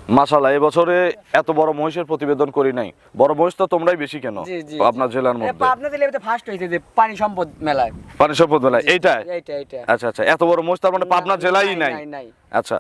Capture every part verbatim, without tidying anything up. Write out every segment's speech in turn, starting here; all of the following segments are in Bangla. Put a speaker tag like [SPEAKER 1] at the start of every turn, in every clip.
[SPEAKER 1] মাশাআল্লাহ, এবছরে এত বড় মহিষের প্রতিবেদন করি নাই। বড় মহিষ তো তোমরাই বেশি কেন আপনার জেলার মধ্যে?
[SPEAKER 2] পাবনা জেলাতে ফার্স্ট হইছে যে পানি সম্পদ মেলায়।
[SPEAKER 1] পানি সম্পদ মেলায় এইটা?
[SPEAKER 2] এইটা এইটা।
[SPEAKER 1] আচ্ছা আচ্ছা, এত বড় মহিষ তার মানে পাবনা জেলাই নাই?
[SPEAKER 2] নাই।
[SPEAKER 1] আচ্ছা।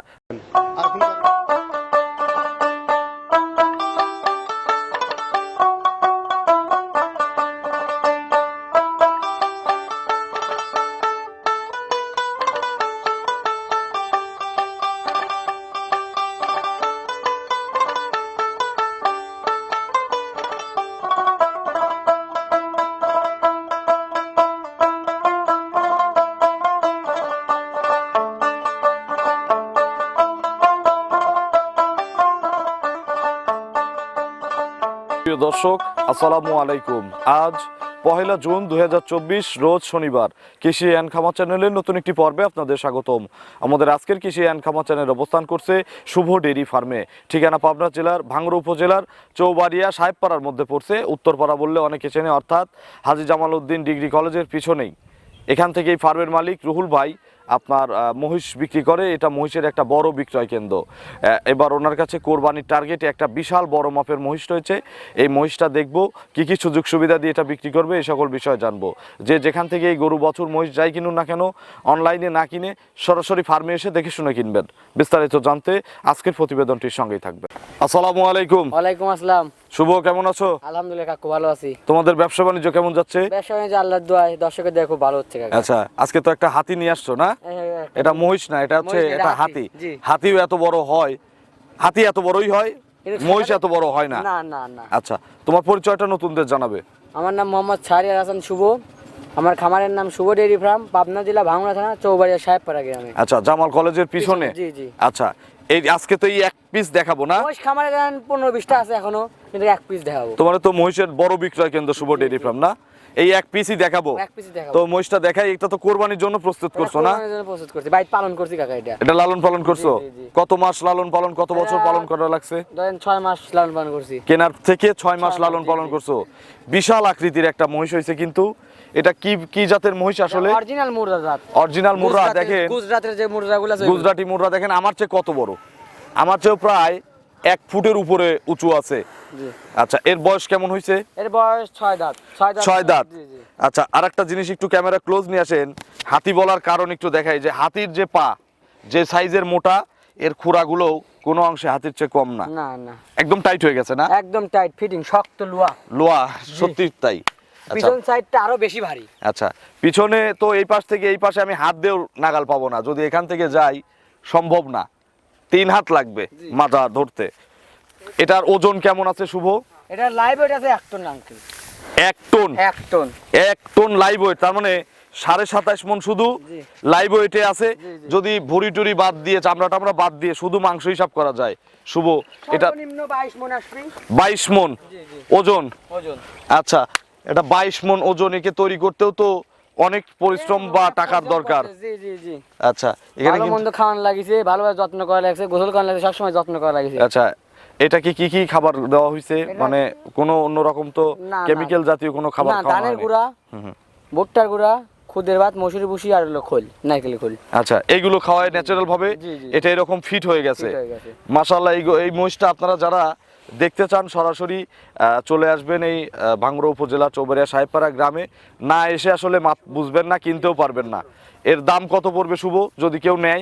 [SPEAKER 1] প্রিয় দর্শক, আসসালামু আলাইকুম। আজ পহেলা জুন দুই হাজার চব্বিশ, রোজ শনিবার। কৃষি অ্যান্ড খামার চ্যানেলের নতুন একটি পর্বে আপনাদের স্বাগতম। আমাদের আজকের কৃষি অ্যান্ড খামার চ্যানেল অবস্থান করছে শুভ ডেইরি ফার্মে। ঠিকানা পাবনা জেলার ভাঙ্গুড়া উপজেলার চৌবাড়িয়া সাহেবপাড়ার মধ্যে পড়ছে। উত্তরপাড়া বললে অনেকে চেনে, অর্থাৎ হাজী জামাল উদ্দিন ডিগ্রি কলেজের পিছনেই। এখান থেকেই ফার্মের মালিক রুহুল ভাই আপনার মহিষ বিক্রি করে। এটা মহিষের একটা বড় বিক্রয় কেন্দ্র। এবার ওনার কাছে কোরবানির টার্গেটে একটা বিশাল বড় মাপের মহিষ রয়েছে। এই মহিষটা দেখবো, কি কি সুযোগ সুবিধা দিয়ে এটা বিক্রি করবে, এই সকল বিষয় জানবো। যে যেখান থেকে এই গরু বছর মহিষ যাই কিনুন না কেন, অনলাইনে না কিনে সরাসরি ফার্মে এসে দেখে শুনে কিনবেন। বিস্তারিত জানতে আজকের প্রতিবেদনটির সঙ্গেই থাকবে। আসসালামু আলাইকুম।
[SPEAKER 2] ওয়ালাইকুম আসসালাম।
[SPEAKER 1] শুভ, কেমন আছো?
[SPEAKER 2] আলহামদুলিল্লাহ কাকু, ভালো আছি।
[SPEAKER 1] তোমাদের ব্যবসা বাণিজ্য কেমন যাচ্ছে?
[SPEAKER 2] ব্যবসা বাণিজ্য আল্লাহর দোয়ায় দর্শকের দয়া খুব ভালো হচ্ছে কাকা।
[SPEAKER 1] আচ্ছা, আজকে তো একটা হাতি নিয়ে আসছো না? এটা মহিষ না, এটা হচ্ছে এটা হাতি। হাতিও এত বড় হয়? হাতি এত বড়ই হয়, মহিষ এত বড় হয় না?
[SPEAKER 2] না না না।
[SPEAKER 1] আচ্ছা, তোমার পরিচয়টা নতুনদের জানাবে।
[SPEAKER 2] আমার নাম মোহাম্মদ শাহরিয়ার হাসান শুভ। আমার খামারের নাম শুভ ডেইরি ফার্ম, পাবনা জেলা ভাঙ্গুড়া থানা চৌবাড়িয়া সাহেবপাড়া গ্রামে।
[SPEAKER 1] আচ্ছা, জামাল কলেজের পিছনে?
[SPEAKER 2] জি জি।
[SPEAKER 1] আচ্ছা, এই আজকে তো এই এক পিস দেখাবো না?
[SPEAKER 2] মহিষ খামারে দেন পনেরো বিশটা আছে এখনো, কিন্তু এক পিস দেখাবো।
[SPEAKER 1] তোমার তো মহিষের বড় বিক্রয় কেন্দ্র শুভ ডেইরি ফার্ম না? এই এক পিসই দেখাবো?
[SPEAKER 2] এক পিসই দেখাবো।
[SPEAKER 1] তো মহিষটা দেখাই। এটা তো কোরবানির জন্য প্রস্তুত করছো না?
[SPEAKER 2] কোরবানির জন্য প্রস্তুত করছি, বাইরে পালন করছি কাকা। এটা
[SPEAKER 1] এটা লালন পালন করছো? কত মাস লালন পালন, কত বছর পালন করা লাগছে?
[SPEAKER 2] ধরেন ছয় মাস লালন পালন করছি।
[SPEAKER 1] কেনার থেকে ছয় মাস লালন পালন করছো। বিশাল আকৃতির একটা মহিষ হয়েছে। কিন্তু এটা কি কি জাতের মহিষ আসলে?
[SPEAKER 2] অরিজিনাল মুর্রা জাত।
[SPEAKER 1] অরিজিনাল মুর্রা। দেখেন
[SPEAKER 2] গুজরাটের যে মুর্রাগুলো আছে,
[SPEAKER 1] গুজরাটি মুর্রা দেখেন আমার চেয়ে কত বড়। আমার চেয়ে প্রায় এক ফুটের উপরে উঁচু আছে। আচ্ছা, এর বয়স কেমন হয়েছে?
[SPEAKER 2] এর বয়স ছয় দাঁত।
[SPEAKER 1] ছয় দাঁত। আচ্ছা, আরেকটা জিনিস একটু ক্যামেরা ক্লোজ নিয়ে আসেন। হাতি বলার কারণ একটু দেখাই, যে হাতির যে পা, যে সাইজের মোটা, এর খুরাগুলো কোনো অংশে হাতির চেয়ে কম না।
[SPEAKER 2] না না,
[SPEAKER 1] একদম টাইট হয়ে গেছে না?
[SPEAKER 2] একদম টাইট ফিটিং, শক্ত লোয়া।
[SPEAKER 1] লোয়া, সত্যি তাই।
[SPEAKER 2] পিছন সাইডটা আরো বেশি ভারী।
[SPEAKER 1] আচ্ছা, পিছনে তো এই পাশ থেকে এই পাশে আমি হাত দিয়েও নাগাল পাবো না, যদি এখান থেকে যাই সম্ভব না। তিন হাত লাগবে মাজা ধরতে। এটার ওজন কেমন আছে শুভ?
[SPEAKER 2] এটা লাইভ ওয়েট আছে এক টন আঙ্কেল।
[SPEAKER 1] এক টন?
[SPEAKER 2] এক টন।
[SPEAKER 1] এক টন লাইভ ওয়েট, তার মানে সাড়ে সাতাশ মন শুধু লাইভ ওয়েটে আছে। যদি ভুড়ি টুরি বাদ দিয়ে, চামড়া টামড়া বাদ দিয়ে শুধু মাংস হিসাব করা যায় শুভ, এটা
[SPEAKER 2] সর্বনিম্ন বাইশ মন আসবে।
[SPEAKER 1] বাইশ মন ওজন?
[SPEAKER 2] ওজন।
[SPEAKER 1] আচ্ছা, এটা বাইশ মন ওজন, একে তৈরি করতেও তো অনেক পরিশ্রম বা টাকার দরকার।
[SPEAKER 2] জি জি জি।
[SPEAKER 1] আচ্ছা, এখানে
[SPEAKER 2] ভালো মন্দ খাওয়ানো লাগিছে, ভালোভাবে যত্ন করা লাগছে, গোসল করা লাগছে, সবসময় যত্ন করা লাগিছে।
[SPEAKER 1] আচ্ছা, এটাকে কি কি খাবার দেওয়া হয়েছে? মানে কোনো অন্য রকম তো কেমিক্যাল জাতীয় কোনো খাবার
[SPEAKER 2] না,
[SPEAKER 1] খাওয়ানো হয়নি?
[SPEAKER 2] ধানের গুঁড়া, ভুট্টার গুঁড়া, খুদের ভাত, মসুরি ভুসি আর হলো খোল, নারকেলের খোল।
[SPEAKER 1] আচ্ছা, এইগুলো খাওয়ায় ন্যাচারাল ভাবে এটা এরকম ফিট হয়ে গেছে। মাশাআল্লাহ। এই এই মহিষটা আপনারা যারা দেখতে চান সরাসরি চলে আসবেন এই ভাঙ্গুড়া উপজেলা চৌবাড়িয়া সাহেবপাড়া গ্রামে। না এসে আসলে মাপ বুঝবেন না, কিনতেও পারবেন না। এর দাম কত পড়বে শুভ, যদি কেউ নেয়,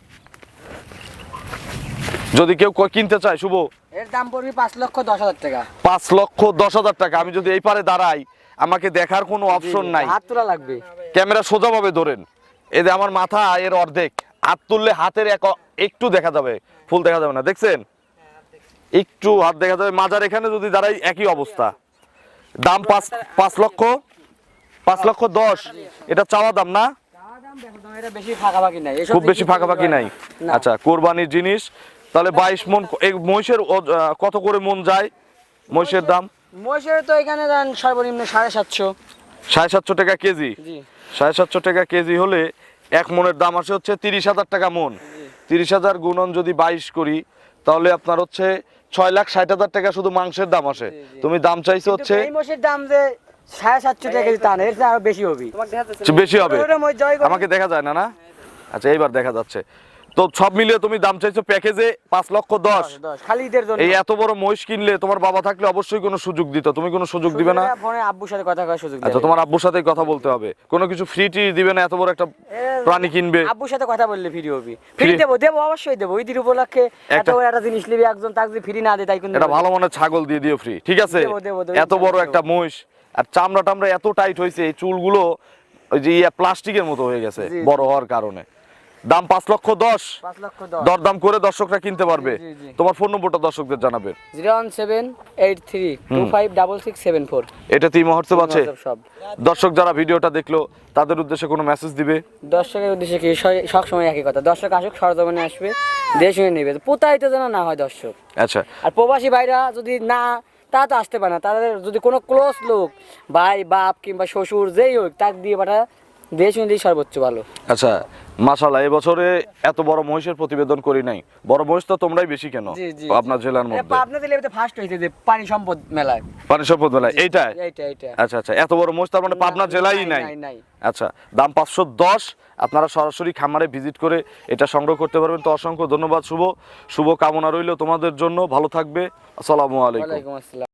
[SPEAKER 1] যদি কেউ কিনতে চায় শুভ?
[SPEAKER 2] এর দাম পড়বে পাঁচ লক্ষ দশ হাজার টাকা।
[SPEAKER 1] পাঁচ লক্ষ দশ হাজার টাকা। আমি যদি এই পারে দাঁড়াই, আমাকে দেখার কোনো অপশন নাই,
[SPEAKER 2] হাত তোলা লাগবে।
[SPEAKER 1] ক্যামেরা সোজাভাবে ধরেন, এই যে আমার মাথা এর অর্ধেক, হাত তুললে হাতের এক একটু দেখা যাবে, ফুল দেখা যাবে না। দেখছেন, একটু হাত দেখা যাবে। মাজার এখানে যদি দাঁড়াই একই অবস্থা। দাম পাঁচ পাঁচ লক্ষ পাঁচ লক্ষ দশ। এটা চাওয়া দাম না? খুব বেশি ফাঁকাফাঁকি নাই। আচ্ছা, কোরবানির জিনিস। তাহলে বাইশ মন। এই মহিষের কত করে মন যায় মহিষের দাম?
[SPEAKER 2] মহিষের তো এখানে দেন সর্বনিম্ন সাড়ে সাতশো।
[SPEAKER 1] সাড়ে সাতশো টাকা কেজি? সাড়ে সাতশো টাকা কেজি হলে এক মনের দাম আসে হচ্ছে তিরিশ হাজার টাকা মন। তিরিশ হাজার গুণন যদি বাইশ করি, তাহলে আপনার হচ্ছে ছয় লাখ ষাট হাজার টাকা শুধু মাংসের দাম আসে। তুমি দাম চাইছো হচ্ছে
[SPEAKER 2] দাম যে সাড়ে সাতশো টাকা কেজি, তা না, এর আরো বেশি হবে।
[SPEAKER 1] বেশি হবে? আমাকে দেখা যায় না না? আচ্ছা, এইবার দেখা যাচ্ছে। তো সব মিলিয়ে তুমি দাম চাইছো প্যাকেজে পাঁচ লক্ষ দশ।
[SPEAKER 2] দশ খালি ঈদের জন্য।
[SPEAKER 1] এই এত বড় মহিষ কিনলে তোমার বাবা থাকলে অবশ্যই কোনো সুযোগ দিত, তুমি কোনো সুযোগ দিবে না?
[SPEAKER 2] ফোনে আব্বুর সাথে কথা করার সুযোগ
[SPEAKER 1] আচ্ছা,
[SPEAKER 2] দেবে।
[SPEAKER 1] তোমার আব্বুর সাথে কথা বলতে হবে, কোনো কিছু ফ্রি টি দিবে না? এত বড় একটা প্রাণী কিনবে।
[SPEAKER 2] আব্বুর সাথে কথা বললে ফ্রি হবে। ফ্রি দেবো দেবো অবশ্যই দেবো। ঈদের উপলক্ষে এত বড় একটা জিনিস নিবি একজন, তাকে যদি ফ্রি না দেয় তাই কিন্তু
[SPEAKER 1] এটা ভালো মনে ছাগল দিয়ে দিও ফ্রি, ঠিক আছে?
[SPEAKER 2] দেবো, দেবো, দেবো,
[SPEAKER 1] এত বড়
[SPEAKER 2] দেবো।
[SPEAKER 1] একটা মহিষ, আর চামড়া টামড়া এত টাইট হয়েছে, এই চুলগুলো ওই যে ইয়া প্লাস্টিকের মতো হয়ে গেছে
[SPEAKER 2] জি,
[SPEAKER 1] বড় হওয়ার কারণে। দাম পাঁচ লক্ষ দশ।
[SPEAKER 2] পাঁচ লক্ষ দশ।
[SPEAKER 1] দরদাম করে দর্শকরা কিনতে পারবে।
[SPEAKER 2] জি, জি।
[SPEAKER 1] তোমার ফোন নম্বরটা দর্শকদের জানাবেন।
[SPEAKER 2] Zero one seven eight three two five double six seven four.
[SPEAKER 1] এটা তিন মহোৎসব আছে।
[SPEAKER 2] সব
[SPEAKER 1] দর্শক যারা ভিডিওটা দেখলো তাদের উদ্দেশ্যে কোনো মেসেজ দিবে?
[SPEAKER 2] দর্শকের উদ্দেশ্যে কি স- সবসময় একই কথা, দর্শক আসুক, সরজমিনে আসবে, দেশ শুনে নেবে, প্রতারিত যেন না হয় দর্শক।
[SPEAKER 1] আচ্ছা,
[SPEAKER 2] আর প্রবাসী ভাইরা যদি না, তা তো আসতে পারে না, তাদের যদি কোনো ক্লোজ লোক, ভাই বাপ কিংবা শ্বশুর যেই হোক, তাকে দিয়ে পাঠা, দেশ শুনে দিয়ে সর্বোচ্চ ভালো।
[SPEAKER 1] আচ্ছা, মাশাআল্লাহ। এবছরে এত বড় মহিষের প্রতিবেদন করি নাই। বড় মহিষ তো তোমরাই বেশি কেন
[SPEAKER 2] জি, জি,
[SPEAKER 1] আপনার জেলার মধ্যে?
[SPEAKER 2] পাবনা জেলাতে ফার্স্ট হয়েছে যে পানি সম্পদ মেলায়।
[SPEAKER 1] পানি সম্পদ মেলায় এইটা?
[SPEAKER 2] এইটা এইটা
[SPEAKER 1] আচ্ছা আচ্ছা, এত বড় মহিষ তার মানে পাবনা জেলাই নাই?
[SPEAKER 2] নাই, নাই।
[SPEAKER 1] আচ্ছা, দাম পাঁচশো দশ। আপনারা সরাসরি খামারে ভিজিট করে এটা সংগ্রহ করতে পারবেন। তো অসংখ্য ধন্যবাদ শুভ, শুভ কামনা রইল তোমাদের জন্য। ভালো থাকবে। আসসালামু আলাইকুম।
[SPEAKER 2] ওয়ালাইকুম আসসালাম।